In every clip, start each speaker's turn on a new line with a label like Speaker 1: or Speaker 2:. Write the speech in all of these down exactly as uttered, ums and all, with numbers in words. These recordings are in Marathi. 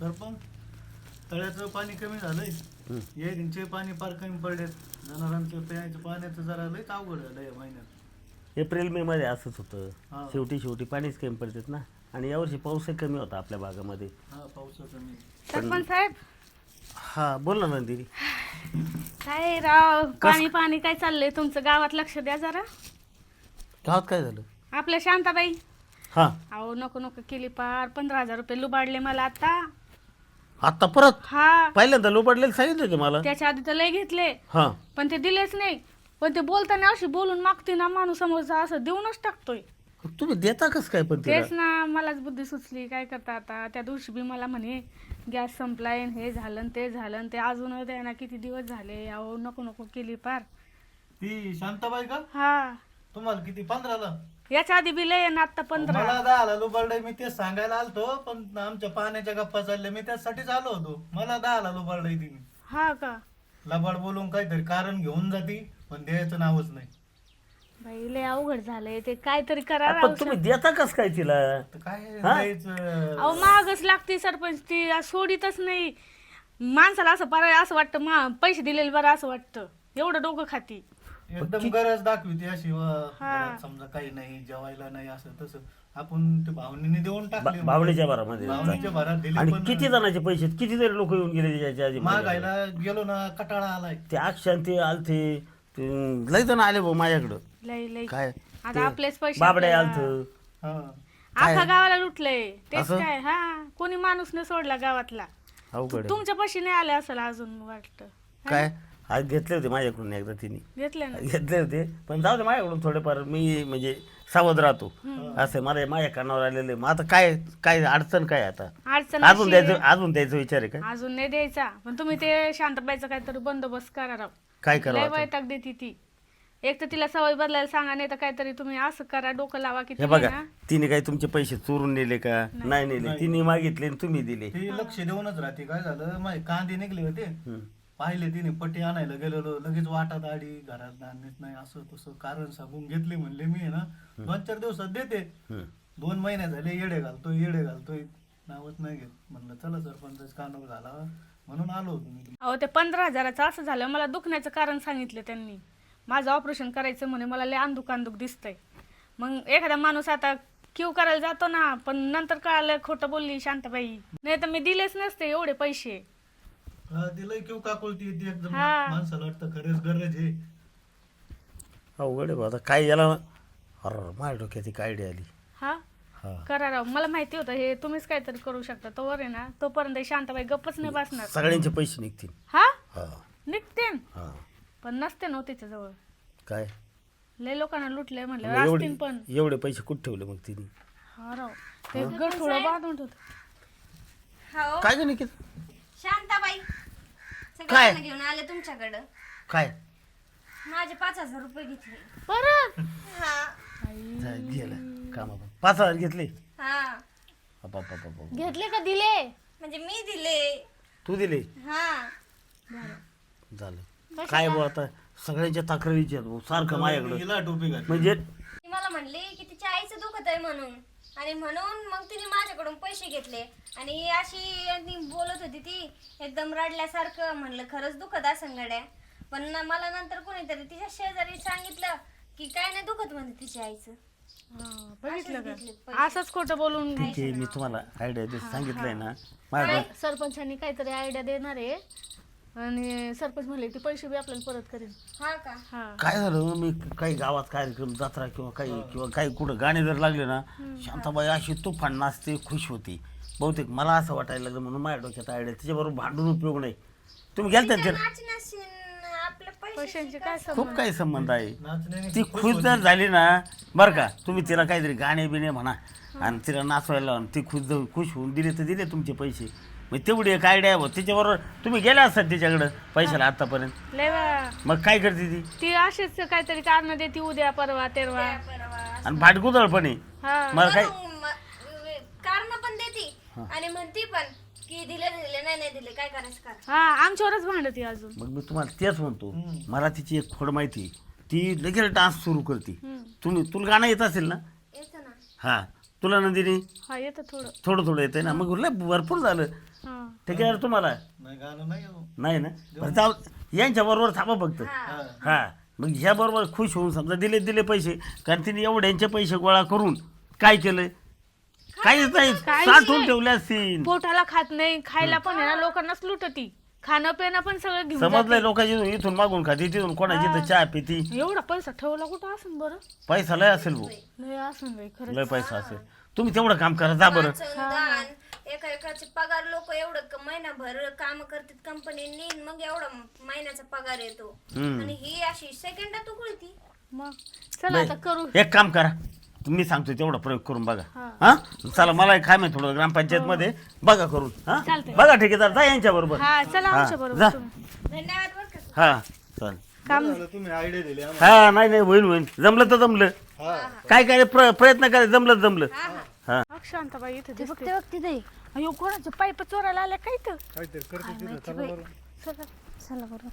Speaker 1: सरपंच तळ्याचं पाणी कमी झालंय, येरींचे पाणी फार कमी पडले, जनावरांचं प्यायचं पाण्याचं जरा लयच अवघड झालं या महिन्यात.
Speaker 2: एप्रिल मे मध्ये असंच
Speaker 1: हा.
Speaker 2: होतं, शेवटी शेवटी पाणीच कमी पडतात ना. आणि यावर्षी पाऊसही कमी होता आपल्या भागामध्ये.
Speaker 1: हा पाऊस कमी.
Speaker 3: सरपंच साहेब
Speaker 2: हा बोल ना नंदिनी.
Speaker 3: काय राव पाणी पाणी काय चाललंय तुमचं गावात? लक्ष द्या जरा.
Speaker 2: गावात काय झालं?
Speaker 3: आपल्या शांताबाई
Speaker 2: हा
Speaker 3: अहो नको नको केली पार पंधरा हजार रुपये लुबाडले मला आता.
Speaker 2: आता परत
Speaker 3: हा
Speaker 2: पहिल्यांदा लोपडलेलं सांगितलं होते मला.
Speaker 3: त्याच्या आधी तर लय घेतले
Speaker 2: हा
Speaker 3: पण ते दिलेच नाही. पण ते बोलताना अशी बोलून मागते ना माणूस समोरचा असं देऊनच टाकतोय.
Speaker 2: तुम्ही देता कस काय पण तिला?
Speaker 3: तेच ना मलाच बुद्धी सुचली काय करता आता. त्या दिवशी बी मला म्हणे गॅस संपलाय न हे झालं न ते झालं न ते अजून द्या ना किती दिवस झाले. अहो नको नको केली पार.
Speaker 1: ती शांताबाई का?
Speaker 3: हा
Speaker 1: तुम्हाला किती पंधराला?
Speaker 3: याच्या आधी बी लय ना आता पंधरा.
Speaker 1: मला दहाला लुबाडलंय, मी तेच सांगायला आलतो, पण आमच्या पाण्याच्या गप्पा चालल्या, मी त्यासाठीच आलो होतो. मला दहाला लुबाडलंय तिने.
Speaker 3: हा का?
Speaker 1: लबाड बोलून काहीतरी कारण घेऊन जाती, पण द्यायचं नावच नाही.
Speaker 3: बाई लय अवघड झालंय ते. काहीतरी करा
Speaker 2: पण तुम्ही देता कस काय तिला?
Speaker 1: तर काय
Speaker 2: हा?
Speaker 1: द्यायचं?
Speaker 3: अहो मागच लागते सरपंच ती आज सोडीतच नाही. माणसाला असं बरं असं वाटतं मा पैसे दिलेले बरं असं वाटतं. एवढं डोकं खाती.
Speaker 1: एकदम गरज दाखविते अशी व
Speaker 3: हा.
Speaker 1: घरात समजा काही नाही, जेवायला नाही, असं तसं आपण ते भावनेने देऊन टाकले.
Speaker 2: बा- भावनेच्या भरामध्ये.
Speaker 1: भावनेच्या भरात दिले.
Speaker 2: आणि
Speaker 1: पण
Speaker 2: किती जणांचे पैसे किती तरी लोक येऊन गेले त्याच्या आधी.
Speaker 1: मागायला गेलो ना, कटाळा आलाय.
Speaker 2: ते अक्षांत ते आलते ते लय जण आले भाऊ माझ्याकडं.
Speaker 3: लय लय
Speaker 2: काय
Speaker 3: आता आपलेच पैसे
Speaker 2: बाबड्या
Speaker 3: आपल्याला-
Speaker 2: आलत.
Speaker 1: हा.
Speaker 3: अख्खा गावाला लुटलंय तेच
Speaker 2: असं?
Speaker 3: काय. हा कोणी माणूस नाही सोडला गावातला.
Speaker 2: अवघड आहे.
Speaker 3: तुमच्या पैसे नाही आले असेल अजून वाटतं.
Speaker 2: काय आज घेतले होते माझ्याकडून एकदा तिने
Speaker 3: घेतले ना.
Speaker 2: घेतले होते, पण जाऊ दे माझ्याकडून थोडेफार मी म्हणजे सावध राहतो. असं मला माझ्या कानावर आलेले. मग आता काय काय अडचण काय आता?
Speaker 3: अडचण
Speaker 2: अजून
Speaker 3: अशी
Speaker 2: द्यायचं
Speaker 3: आहे,
Speaker 2: अजून द्यायचा विचार आहे का?
Speaker 3: अजून नाही द्यायचा. पण तुम्ही ते शांताबाईचा काहीतरी बंदोबस्त करा राव.
Speaker 2: काय
Speaker 3: लय
Speaker 2: करावं आता?
Speaker 3: वैताग देते ती. एक तर तिला सवय बदलायला सांगा, नाही तर काहीतरी तुम्ही असं करा डोकं लावा की
Speaker 2: हे
Speaker 3: तिने
Speaker 2: बघा
Speaker 3: ना.
Speaker 2: तिने काही तुमचे पैसे चोरून नेले का? नाही नेले. तिने मागितले आणि तुम्ही दिले.
Speaker 1: ती लक्ष देऊनच राहते. काय झालं, माझे कांदे निघले होते, पाहिले तिने, पट्टी आणायला गेलेलो, लगेच वाटात आडी, घरात धान्यच नाही, असं तसं कारण सांगून घेतले. म्हणले मी आहे ना दोन चार दिवसात देते.
Speaker 2: हम्म.
Speaker 1: दोन महिने झाले येडे घालतोय येडे घालतोय, नावच नाही घेत. म्हणलं चला सरपंच कानावर घाला, म्हणून आलो होतो मी.
Speaker 3: अहो ते पंधरा हजाराचं असं झालं. मला दुखण्याचं कारण सांगितलं त्यांनी. माझं ऑपरेशन करायचं म्हणे. मला लय अंदुक अंदुक दिसतंय. मग एखादा माणूस आता क्यू करायला जातो ना, पण नंतर कळालं खोटं बोलली शांताबाई. नाही तर मी दिलेच नसते एवढे पैसे.
Speaker 1: हा, दिलंय किंवा काकुलती येते एकदम.
Speaker 3: हा.
Speaker 1: माणसाला वाटतं खरंच गरज आहे.
Speaker 2: अवघड आहे बा. आता काय याला अरे माझ्या डोक्यात एक आयडिया आली.
Speaker 3: हा
Speaker 2: हा
Speaker 3: करा राव. मला माहिती होतं हे तुम्हीच काहीतरी करू शकता. तोवर आहे ना तोपर्यंत शांताबाई गप्पच नाही बसणार.
Speaker 2: सगळ्यांचे पैसे निघतील.
Speaker 3: हा
Speaker 2: हा
Speaker 3: निघते
Speaker 2: हा
Speaker 3: पण नसते ना तिच्याजवळ.
Speaker 2: काय
Speaker 3: लय लोकांना लुटलंय म्हणलं
Speaker 2: मग
Speaker 3: असतील
Speaker 2: एवढे
Speaker 3: पण.
Speaker 2: एवढे पैसे कुठे ठेवले मग तिने?
Speaker 3: हा राव ते गड थोडं बांधून ठेवत.
Speaker 4: हो
Speaker 2: काय ग निकित?
Speaker 4: शांताबाई
Speaker 2: काय?
Speaker 4: सगळ्यांना घेऊन आले तुमच्याकडं.
Speaker 2: काय
Speaker 4: माझे पाच हजार रुपये घेतले.
Speaker 3: परत
Speaker 4: हा
Speaker 2: जा, गेलं कामा पाच हजार घेतले.
Speaker 4: हा
Speaker 2: अपापापापा.
Speaker 3: घेतले का दिले?
Speaker 4: म्हणजे मी दिले.
Speaker 2: तू दिले?
Speaker 4: हा
Speaker 2: झालं काय बो आता सगळ्यांच्या तक्रारीचे आहेत भाऊ, सारखं माझ्याकडं.
Speaker 1: हिला टोपी घातली.
Speaker 2: म्हणजे
Speaker 4: ती मला म्हणली की तिच्या आईचं दुखत आहे म्हणून, आणि म्हणून मग तिने माझ्याकडून पैसे घेतले. आणि अशी आणि बोलत होती ती एकदम रडल्यासारखं. म्हणलं खरंच दुखत असं गड्या. पण ना मला नंतर कोणीतरी तिच्या शेजारी सांगितलं की काय नाही दुखत म्हणते तिच्या आईचं.
Speaker 3: हा, बघितलं
Speaker 4: घेतले
Speaker 3: का असंच खोटं बोलून.
Speaker 2: ठीक आहे, मी तुम्हाला आयडिया देत सांगितलंय ना माझ्या.
Speaker 3: सरपंचांनी काहीतरी आयडिया देणार आहे आणि सरपंच म्हणले ते पैसे बी आपल्याला परत करेल.
Speaker 4: हा का?
Speaker 3: हा
Speaker 2: काय झालं, मी काही गावात कार्यक्रम जत्रा किंवा काही किंवा काही कुठं गाणे जर लागले ना, शांताबाई अशी तुफान नाचते, खुश होती. बहुतेक मला असं वाटायला लागलं म्हणून माझ्या डोक्यात आयडिया. तिच्याबरोबर भांडून उपयोग नाही. तुम्ही गेलता
Speaker 4: तिच्या
Speaker 2: ते
Speaker 4: नाचण्याशी आपल्या
Speaker 3: पैशांचे
Speaker 4: पैशांची
Speaker 3: काय
Speaker 2: खूप
Speaker 3: संबंध?
Speaker 2: काही संबंध आहे.
Speaker 1: नाचण्याने
Speaker 2: ती खुश जर झाली ना बरं का, तुम्ही तिला काहीतरी गाणे बिणे म्हणा आणि तिला नाचवायला लावा. ती खुश जर खुश होऊन दिले तर दिले तुमचे पैसे. मग तेवढी एक आयडिया आहे. तिच्याबरोबर तुम्ही गेला असतात तिच्याकडं पैशाला आतापर्यंत.
Speaker 3: लय वेळा.
Speaker 2: मग काय करते ती?
Speaker 3: ती अशीच काहीतरी कारण देते उद्या परवा तेरवा.
Speaker 2: आणि भाटकुदळ पण आहे.
Speaker 3: हा
Speaker 2: मला काय
Speaker 4: कारण पण देते आणि म्हणती पण की दिले दिले नाही नाही दिले, काय करायचं करा.
Speaker 3: हा आमच्यावरच भांडती अजून.
Speaker 2: मग मी तुम्हाला तेच म्हणतो, मला तिची एक खोड माहिती. ती लगेच डान्स सुरू करते. तुम्ही तुला गाणं येत असेल ना?
Speaker 4: येतं ना.
Speaker 2: हा तुला नंदिनी
Speaker 3: हा येतं थोडं.
Speaker 2: थोडं थोडं येतंय ना, मग लय भरपूर झालं.
Speaker 3: हा
Speaker 2: ठीक आहे तुम्हाला
Speaker 1: नाही गाणं नाही हो.
Speaker 2: नाही ना, बरं जाऊ यांच्या बरोबर थांबा फक्त.
Speaker 1: हा.
Speaker 2: हा मग ह्या बरोबर खुश होऊन समजा दिले दिले पैसे, कारण तिने एवढ्यांचे पैसे गोळा करून काय केलं, काहीच नाही, साठवून ठेवले असतील.
Speaker 3: पोटाला खात नाही, खायला पण आहे ना लोकांनाच लुटती, खाणं पिणं पण सगळं घेऊन
Speaker 2: समजलंय,
Speaker 3: जाते.
Speaker 2: लोकांची इथून मागून खाती, तिथून कोणाची तर चहा पिती.
Speaker 3: एवढा पैसा ठेवला कुठं असेल बरं?
Speaker 2: पैसा लय असेल भाऊ,
Speaker 3: लय असेल बाई खरंच.
Speaker 2: लय पैसा असेल. तुम्ही तेवढं काम करा, जा बरं.
Speaker 4: वाचन, दान, एका एकाचे पगार लोक एवढं क- महिनाभर काम करतात कंपनीनी, मग एवढा महिन्याचा पगार येतो.
Speaker 2: हम्म.
Speaker 4: आणि ही अशी सेकंदात उकळती.
Speaker 3: मग चला आता करू.
Speaker 2: एक काम करा, तुम्ही सांगतो तेवढा प्रयोग करून बघा.
Speaker 3: हा.
Speaker 2: हा चला, मला एक काम आहे थोडं ग्रामपंचायत मध्ये, बघा करून. हा
Speaker 3: चालतंय.
Speaker 2: बघा ठेकेदार, जा यांच्या बरोबर.
Speaker 3: हा चला
Speaker 2: हा,
Speaker 3: आमच्या
Speaker 2: जा.
Speaker 3: बरोबर तुम्ही.
Speaker 4: धन्यवाद बरं का.
Speaker 2: हा चल.
Speaker 3: काम
Speaker 1: बरं झालं तुम्ही आयडिया दिली आम्हाला.
Speaker 2: हा नाही नाही, होईल होईल, जमलं तर जमलं.
Speaker 1: हा
Speaker 2: काय काय प्र- प्रयत्न करा, जमलं तर जमलं. हा
Speaker 3: शांताबाई इथे
Speaker 5: ते
Speaker 3: दिसते.
Speaker 5: बघते बघते नाही
Speaker 3: अयो कोणाचे पाईप चोरायला आल्या काय तर.
Speaker 1: काहीतरी करते तिथं, चला बरं.
Speaker 3: चला.
Speaker 5: चला बरं.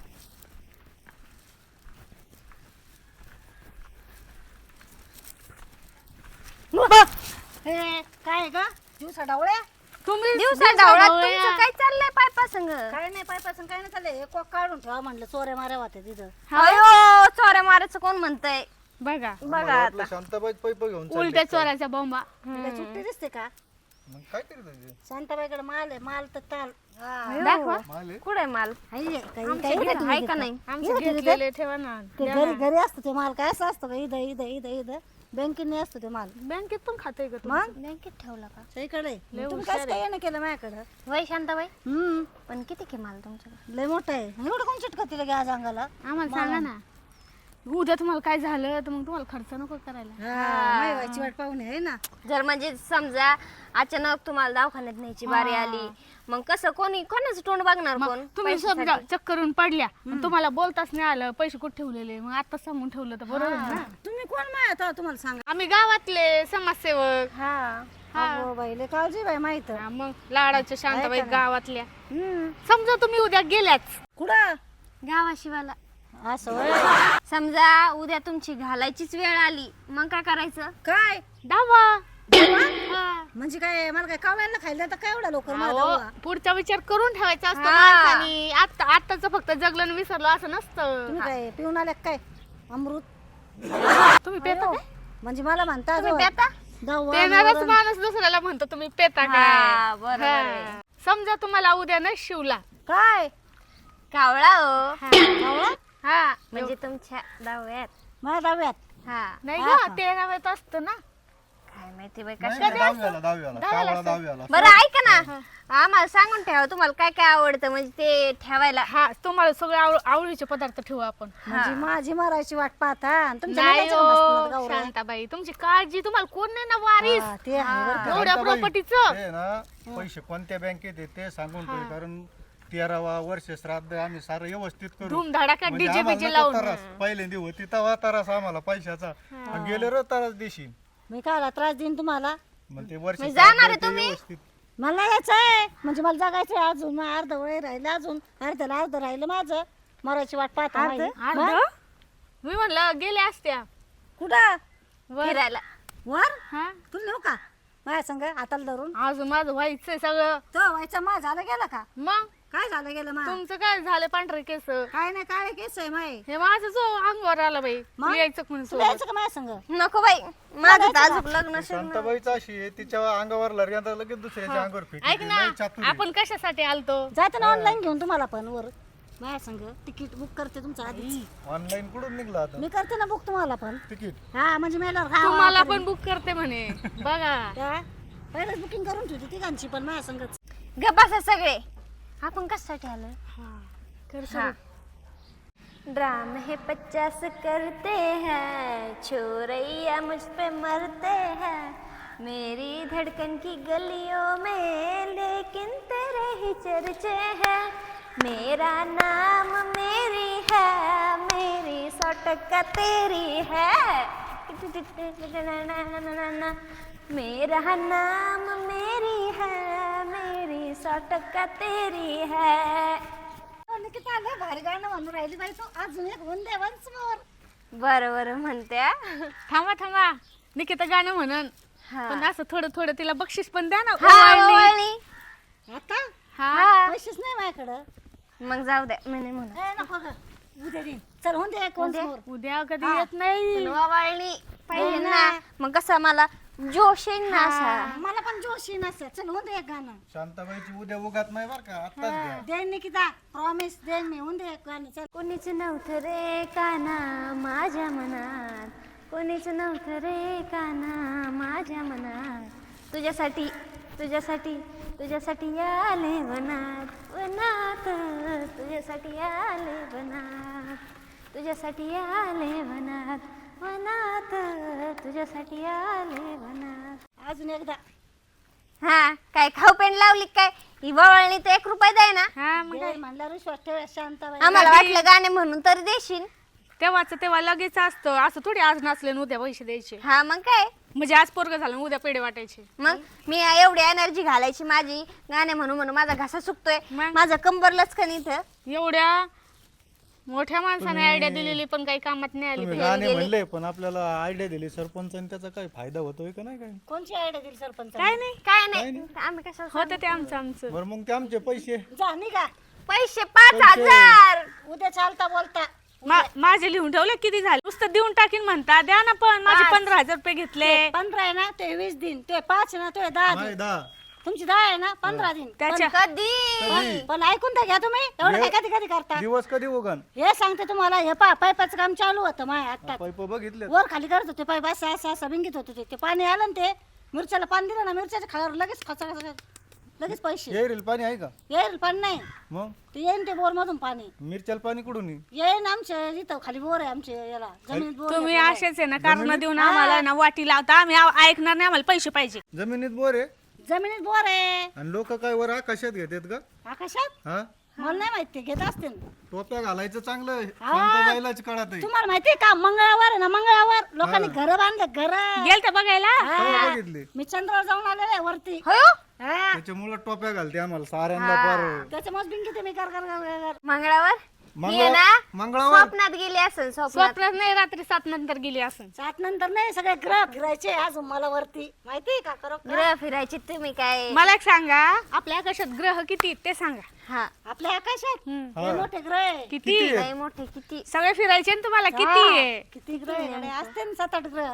Speaker 5: हे काय आहे का दिवसा डावळ्या
Speaker 3: तुम्ही
Speaker 4: दिवसा ढवळा तुमचं काय चाललंय पायपा संग?
Speaker 5: काय नाही पायपासून काय नाही चाललंय एक काढून ठेवा म्हणलं चोऱ्या माऱ्या होत्या तिथं
Speaker 4: अयो चोऱ्या मारायचं कोण म्हणतंय?
Speaker 3: बघा
Speaker 4: बघा
Speaker 1: आपलं शांताबाई पैप घेऊन चालली.
Speaker 3: उलट्या चोराच्या बॉम्बा.
Speaker 5: तिला सुट्टी दिसते का
Speaker 1: मग काय करत होती?
Speaker 5: शांताबाईकडे माल आहे माल तर ताल हा.
Speaker 3: दाखवा.
Speaker 1: माल आहे?
Speaker 4: कुठे माल?
Speaker 5: आहे, काही
Speaker 4: आमच्या
Speaker 5: काही
Speaker 4: घरी
Speaker 5: नाही
Speaker 4: आहे का नाही?
Speaker 3: आमचे
Speaker 5: इथं तिथं
Speaker 3: घेतलेले ठेवा ना.
Speaker 5: ते घरी घरी असतं ते माल काय असं असतं का इथं इथं इथं इथं बँकेने असतो ते माल
Speaker 3: बँकेत पण खाते का तुम्ही?
Speaker 5: मग
Speaker 4: बँकेत ठेवला का?
Speaker 5: सईकडे
Speaker 3: लय
Speaker 5: तुम्ही
Speaker 3: हुशार
Speaker 5: काय काय येणं केलं माझ्याकडं
Speaker 4: वय शांताबाई,
Speaker 5: हम्म
Speaker 4: पण किती की माल तुमच्याकडे?
Speaker 5: लय मोठं आहे एवढं कोण चिटकत तिला गॅस अंगाला
Speaker 3: आम्हाला सांगा ना, उद्या तुम्हाला काय झालं तर मग तुम्हाला खर्च नको करायला.
Speaker 5: हा व्हायची वाट पाहुणे आहे ना
Speaker 4: जर म्हणजे समजा अचानक तुम्हाला दवाखान्यात न्यायची बारी आली, मग कसं कोणी कोणाचं तोंड बघणार कोण?
Speaker 3: तुम्ही
Speaker 4: पैशासाठी?
Speaker 3: समजा चक्करून पडल्या आणि तुम्हाला बोलताच नाही आलं, पैसे कुठे ठेवलेले, मग आता सांगून ठेवलं तर बरोबर आहे ना.
Speaker 5: तुम्ही कोण माहिती आता तुम्हाला सांगा
Speaker 3: आम्ही गावातले समाजसेवक.
Speaker 4: हा
Speaker 5: अगो बाई लय काळजी बाई माहित
Speaker 3: हा, मग लाडाच्या शांताबाई गावातल्या.
Speaker 5: हम्म
Speaker 3: समजा तुम्ही उद्या गेल्याच,
Speaker 5: कुठं
Speaker 4: गावाशिवाला
Speaker 5: असं होय.
Speaker 4: समजा उद्या तुमची घालायचीच वेळ आली, मग काय करायचं?
Speaker 5: काय
Speaker 3: दावा. हा.
Speaker 5: म्हणजे काय मला काय कावळ्यांना खायला तर काय एवढा लोक
Speaker 3: अहो, पुढचा विचार करून ठेवायचा असतो
Speaker 4: हा.
Speaker 3: माणसाने. आता आताच फक्त जगलं आणि विसरलं असं नसतं.
Speaker 5: तुम्ही काय पिऊन आल्या का काय अमृत
Speaker 3: तुम्ही पेता काय?
Speaker 5: म्हणजे मला म्हणता
Speaker 4: तुम्ही
Speaker 5: जो
Speaker 4: पेता?
Speaker 5: दवा
Speaker 3: पेणारच
Speaker 5: मरण.
Speaker 3: माणूस दुसऱ्याला म्हणतो तुम्ही पेता
Speaker 4: हा,
Speaker 3: काय.
Speaker 4: बरोबर
Speaker 3: हा.
Speaker 4: आहे.
Speaker 3: समजा तुम्हाला उद्या न शिवला.
Speaker 5: काय
Speaker 4: कावळा हो.
Speaker 5: कावळा
Speaker 3: हा
Speaker 4: म्हणजे तुमच्या दहाव्यात.
Speaker 5: माझ्या डाव्यात
Speaker 4: हा
Speaker 3: नाही
Speaker 5: हा
Speaker 3: ग
Speaker 5: का?
Speaker 3: तेराव्यात असतं ना.
Speaker 4: काय माहिती बाई
Speaker 1: नाही,
Speaker 4: कशा.
Speaker 1: नाही, दहावीला दहावीला कावळा दहावीला.
Speaker 4: बरं ऐका ना, आम्हाला सांगून ठेवा तुम्हाला काय काय आवडतं, म्हणजे ते ठेवायला.
Speaker 3: हा तुम्हाला सगळे आवड- आवडीचे पदार्थ ठेवू आपण.
Speaker 5: म्हणजे माझी मरायची वाट पाहता आणि तुमच्या
Speaker 3: नाही
Speaker 5: मुलाच्या का बसतात
Speaker 3: हो,
Speaker 5: गावऱ्या?
Speaker 3: शांताबाई तुमची काळजी, तुम्हाला कोण नाही ना वारीस
Speaker 5: हा, ते आहे बरं का.
Speaker 3: एवढ्या
Speaker 1: शांताबाई,
Speaker 3: प्रॉपर्टीचं.
Speaker 1: ते ना पैसे कोणत्या बँकेत आहे ते सांगून ठेव, कारण तेरावा वर्ष श्राद्ध आम्ही सारं व्यवस्थित करू.
Speaker 3: धूमधडाका
Speaker 1: म्हणजे
Speaker 3: डीजे
Speaker 1: आम्हाला
Speaker 3: बीजे
Speaker 1: नको
Speaker 3: लावून.
Speaker 1: त्रास. पहिल्यांदी होती तेव्हा त्रास आम्हाला पैशाचा, आणि गेले र त्रास देशील.
Speaker 5: मी काय त्रास देईन तुम्हाला
Speaker 1: मग ते वर्ष
Speaker 4: म्हणजे जाणार आहे
Speaker 1: श्राद्ध ते
Speaker 4: तुम्ही?
Speaker 1: व्यवस्थित.
Speaker 5: मला यायचं आहे म्हणजे मला जगायचं आहे अजून मग अर्ध वय राहिलं अजून अर्ध्याला अर्ध राहिलं माझं मरायची वाट पाहता माझी.
Speaker 3: अर्ध?
Speaker 5: मग?
Speaker 3: मी म्हणलं गेल्या असत्या
Speaker 5: कुठं
Speaker 3: वर.
Speaker 4: फिरायला.
Speaker 5: वर
Speaker 3: हा
Speaker 5: तुला नेऊ का माझ्या संग हाताला धरून
Speaker 3: अजून माझं व्हायचंय सगळं.
Speaker 5: तो व्हायचा मा झालं गेला का
Speaker 3: मग
Speaker 5: काय झालं गेलं मा
Speaker 3: तुमचं काय झालं पांढरे केस?
Speaker 5: काय नाही काय केस आहे माय
Speaker 3: हे माझं जो अंगावर आला बाई.
Speaker 5: मग?
Speaker 3: तू यायचं म्हणून
Speaker 5: तुला
Speaker 3: सोबत.
Speaker 5: यायचं का माझ्या संग
Speaker 4: नको बाई, माझं तर अजून लग्न शिकणं.
Speaker 1: शांताबाईचं अशी आहे, तिच्या अंगावर लग्यानंतर लगेच दुसऱ्याच्या अंगावर
Speaker 3: ऐक
Speaker 1: फेकी
Speaker 3: ना,
Speaker 1: लय चातुरी आहे.
Speaker 3: आपण कशासाठी आलतो?
Speaker 5: जायचं ना ऑनलाईन घेऊन तुम्हाला पण वर माझ्या संग तिकीट बुक करते तुमचं आधी
Speaker 1: ऑनलाईन कुठून निघला आता
Speaker 5: मी करते ना बुक तुम्हाला पण
Speaker 1: तिकीट?
Speaker 5: हा म्हणजे मेल्यावर हा
Speaker 3: तुम्हाला पण बुक करते म्हणे. बघा
Speaker 5: काय पहिलेच बुकिंग करून ठेवते तिघांची पण माझ्या संगच
Speaker 4: गप्प बसा सगळे. आपण कशासाठी आलोय?
Speaker 3: कर
Speaker 4: हाँ। ड्राम है पचास करते हैं, छोरैया मुझ पे मरते हैं, मेरी धड़कन की गलियों में लेकिन तेरे ही चर्चे हैं, मेरा नाम मेरी है, मेरी सौ टक्का तेरी है, मेरा नाम मेरी है, मेरी सौ टक्का तेरी है.
Speaker 5: निकिता लय भारी गाणं म्हणून राहिली बाई तू अजून एक वंदे वन्स मोर
Speaker 4: बरं बरं म्हणते.
Speaker 3: थांबा थांबा, निकिता गाणं म्हणन.
Speaker 4: हा.
Speaker 3: पण असं थोडं थोडं तिला बक्षीस पण द्या ना
Speaker 4: हा,
Speaker 3: ओवाळणी.
Speaker 4: ओवाळणी.
Speaker 5: आता
Speaker 3: हा
Speaker 5: पैसेच नाही माझ्याकडं.
Speaker 4: मग जाऊ द्या मी नाही म्हणत.
Speaker 5: ए, नको गं. उद्या देईन. चल होऊन दे कोण
Speaker 4: उद्या?
Speaker 5: समोर.
Speaker 3: उद्या कधी येत नाही
Speaker 4: पण ओवाळणी पाहिजे
Speaker 5: हो
Speaker 4: ना.
Speaker 5: ना.
Speaker 4: मग कसं मला जोश येईल ना असा.
Speaker 5: मला पण जोशी नसतं. चल होऊन दे एक गाणं.
Speaker 1: शांताबाईची उद्या उगात नाही बरं का आत्ताच घ्या.
Speaker 5: देईन निकिता प्रॉमिस देईन मी. होऊन दे एक गाणं. चल
Speaker 4: कोणीच नव्हतं रे काना माझ्या मनात, कोणीच नव्हतं रे काना माझ्या मनात, तुझ्यासाठी तुझ्यासाठी तुझ्यासाठी आले वनात वनात, तुझ्यासाठी आले वनात, तुझ्यासाठी आले वनात वनात, तुझ्यासाठी आले वनात.
Speaker 5: अजून एकदा.
Speaker 4: हा काय खाऊ पेंड लावली काय? ही वळणी तर एक रुपये द्याय ना.
Speaker 3: हा मग
Speaker 5: दे म्हणल्यावर विश्वास ठेव शांताबाई.
Speaker 4: आम्हाला वाटलं गाणे म्हणून तर देशील.
Speaker 3: तेव्हाच तेव्हा लगेच असतं असं थोडी आज नाचले आणि उद्या पैसे द्यायचे.
Speaker 4: हा मग काय,
Speaker 3: म्हणजे आज पोरग झालं आणि उद्या पेढे वाटायचे.
Speaker 4: मग मी एवढी एनर्जी घालायची माझी गाणे म्हणून म्हणून माझा घसा सुकतोय,
Speaker 3: मग?
Speaker 4: माझं कंबर लचकन इथं.
Speaker 3: एवढ्या मोठ्या माणसाने आयडिया दिलेली पण काही कामात नाही आली.
Speaker 1: तुम्ही गाणे म्हणले पण आपल्याला आयडिया दिली सरपंचाने, त्याचा काही फायदा होतोय का नाही काय?
Speaker 5: कोणची आयडिया दिली सरपंच?
Speaker 3: काय नाही
Speaker 4: काय नाही आम्ही कशाला
Speaker 3: होतं ते आमचं आमचं.
Speaker 1: बरं मग ते आमचे पैसे
Speaker 5: जा निघा.
Speaker 4: पैसे पाच हजार
Speaker 5: उद्या चालता बोलता.
Speaker 3: मा- माझे लिहून ठेवले किती झाले, नुसतं देऊन टाकीन म्हणता. द्या ना पण माझे
Speaker 5: पाच.
Speaker 3: पंधरा हजार रुपये घेतले.
Speaker 5: पंधरा आहे ना ते वीस दिन, ते पाच आहे ना ते दहा
Speaker 1: नाही
Speaker 5: दिन,
Speaker 1: दहा
Speaker 5: तुमची दहा आहे ना पंधरा दिन.
Speaker 3: त्याच्या
Speaker 4: कधी
Speaker 5: पण ऐकून तर घ्या तुम्ही. एवढं काय कधी कधी करता.
Speaker 1: दिवस कधी उगान
Speaker 5: हे सांगते तुम्हाला. हे पा पाईपाचं काम चालू होतं माझ्या आता.
Speaker 1: पैप बघितले
Speaker 5: वर खाली करत होते पाईप असं असं असं भिंगीत होते ते. ते पाणी आलं ना ते मिरच्याला पाणी दिलं ना, मिरच्याच्या खाल्यावर लगेच खचा खचा लगेच पैसे
Speaker 1: येईल पाणी आहे का?
Speaker 5: येईल. पण नाही
Speaker 1: मग
Speaker 5: ते येईन ते बोर मधून पाणी
Speaker 1: मिरच्याला पाणी कुठून येईल?
Speaker 5: येईन. आमच्या इथं खाली बोर आहे आमच्या याला जमिनीत बोर
Speaker 3: तुम्ही
Speaker 5: आहे.
Speaker 3: असेच आहे ना कारण देऊन आम्हाला ना वाटी लावता. आम्ही आ- ऐकणार नाही, आम्हाला पैसे पाहिजे.
Speaker 1: जमिनीत बोर आहे
Speaker 5: जमिनीत बोर आहे.
Speaker 1: आणि लोक काय वर आकाशात घेतात का?
Speaker 5: आकाशात
Speaker 1: हा
Speaker 5: मला नाही माहित ते घेत असते ना.
Speaker 1: टोप्या घालायचं चांगलं शांताबाईलाच कळत आहे.
Speaker 5: तुम्हाला माहितीये का मंगळवार आहे ना, मंगळवार लोकांनी घर बांधले घर.
Speaker 3: गेल तर बघायला.
Speaker 1: तेव्हा बघितले
Speaker 5: मी चंद्रावर जाऊन आलेले आहे वरती.
Speaker 4: हो
Speaker 5: हा.
Speaker 1: त्याच्यामुळे टोप्या घालते आम्हाला साऱ्यांना पार.
Speaker 5: त्याच्यामुळे बिंगी ते मी कर कर कर कर.
Speaker 4: मंगळावर
Speaker 1: मंगळ-
Speaker 4: ये ना
Speaker 1: मंगळवार
Speaker 4: स्वप्नात गेली असेल स्वप्नात.
Speaker 3: स्वप्नात नाही, रात्री सात नंतर गेली असं.
Speaker 5: सात नंतर नाही सगळे ग्रह फिरायचे अजून मला वरती माहितीये का करो
Speaker 4: ग्रह फिरायची तुम्ही काय?
Speaker 3: मला एक सांगा, आपल्या आकाशात ग्रह किती आहेत ते सांगा.
Speaker 4: हा
Speaker 5: आपल्या आकाशात
Speaker 3: हम्म.
Speaker 5: हे मोठे ग्रह आहे.
Speaker 3: किती
Speaker 4: लय मोठे किती.
Speaker 3: सगळे फिरायचे ना तुम्हाला किती
Speaker 5: हा.
Speaker 3: आहे?
Speaker 5: किती ग्रह आहे गड्या? असते ना सात आठ ग्रह.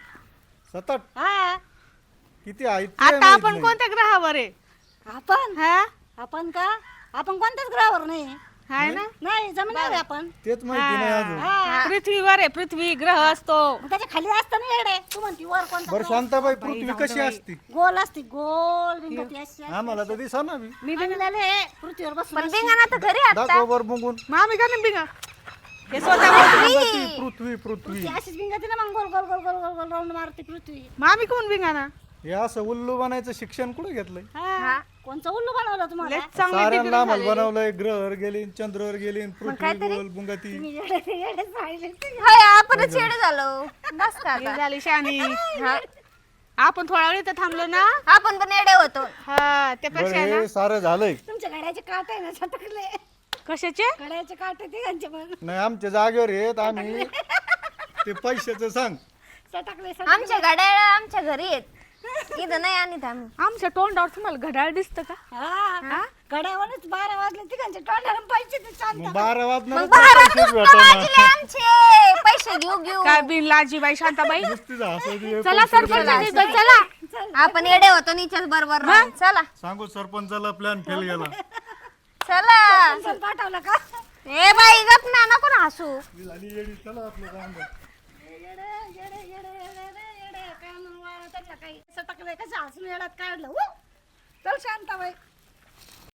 Speaker 1: सतत
Speaker 5: हा
Speaker 1: किती आहेत ते
Speaker 3: आता
Speaker 1: माहित
Speaker 3: आपण
Speaker 1: नाही.
Speaker 3: कोणत्या ग्रहावर आहे?
Speaker 5: आपण
Speaker 3: हा
Speaker 5: आपण का आपण कोणत्याच ग्रहावर नाही.
Speaker 3: हाय ना.
Speaker 5: नाही जमिनीवर आहे आपण.
Speaker 1: तेच माहिती नाही अजून.
Speaker 5: हा
Speaker 3: पृथ्वीवर आहे, पृथ्वी ग्रह असतो.
Speaker 5: मग त्याच्या खाली असतं ना येडे. तू म्हणती वर कोणता
Speaker 1: बरं
Speaker 5: ग्रह?
Speaker 1: शांताबाई पृथ्वी कशी असती?
Speaker 5: गोल असते गोल बिंगती अशी.
Speaker 1: आम्हाला तर दिसा ना बी.
Speaker 5: मी बिंगलेले पृथ्वीवर बसून
Speaker 4: पण
Speaker 5: अशी.
Speaker 4: बिंगाना तर घरी आता.
Speaker 1: दाखव वर बघून.
Speaker 3: मग आम्ही का नाही बिंगा? हे स्वतः
Speaker 1: पृथ्वी पृथ्वी पृथ्वी
Speaker 5: ती अशीच बिंगती ना मग गोल गोल गोल गोल गोल गोल राऊंड मारते पृथ्वी.
Speaker 3: मग आम्ही कोण बिंगा ना?
Speaker 1: हे असं उल्लू बनायचं शिक्षण कुठे घेतलंय?
Speaker 5: हा कोणचं उल्लू बनवलं तुम्हाला?
Speaker 3: लयच चांगले
Speaker 1: साऱ्यांना
Speaker 3: डिग्री
Speaker 1: आम्हाला
Speaker 3: झालेली.
Speaker 1: बनवलंय. ग्रहवर गेली चंद्रावर गेली पृथ्वी गोल बुंगाती.
Speaker 5: तुम्ही येडे येडे राहिले.
Speaker 4: होय आपणच येडे झालो बस का
Speaker 3: हे
Speaker 4: आता.
Speaker 3: झाली शानी.
Speaker 4: हा.
Speaker 3: आपण थोडा वेळ इथं थांबलो ना.
Speaker 4: आपण पण येडे होतो.
Speaker 3: हा
Speaker 1: बरं
Speaker 3: त्यापेक्षा ना.
Speaker 1: हे सारं झालंय.
Speaker 5: तुमच्या गाड्याचे काट आहे ना छटकले.
Speaker 3: कशाचे?
Speaker 5: गाड्याचे काट ते त्यांचे पण
Speaker 1: नाही आमच्या जागेवर येत आम्ही ते पैशाचं सांग.
Speaker 5: सटकले
Speaker 4: आमच्या गाड्या आमच्या घरी आहेत. इथं नाही आणत आम्ही.
Speaker 3: आमच्या तोंडावर तुम्हाला घड्याळ दिसतं का?
Speaker 5: हा गाड्यावरच बारा वाजले तिघांचे तोंडाला पैसे ते शांत.
Speaker 1: मग बारा वाजणार
Speaker 4: मग बारा
Speaker 1: पैसेच
Speaker 4: वाजले
Speaker 1: भेटणार.
Speaker 4: आमचे पैसे घेऊ घेऊ.
Speaker 3: काय बिन लाजीबाई शांताबाई.
Speaker 1: नुसतीच हसायची.
Speaker 3: चला सरपंच चला.
Speaker 4: आपण येडे होतो निच्याच बरोबर राहून. चला
Speaker 1: सांगू सरपंचाला प्लॅन फेल गेला.
Speaker 4: चला.
Speaker 5: चल पाठवलं का?
Speaker 4: ए बाई गप ना नको ना हसू.
Speaker 1: झाली येडी. चला आपलं काम बघ.
Speaker 5: येडे येडे येडे येडे येडे काय म्हणून वाळा त्यांना काही सटकले कसं हसून येड्यात काढलं. उ! चल शांताबाई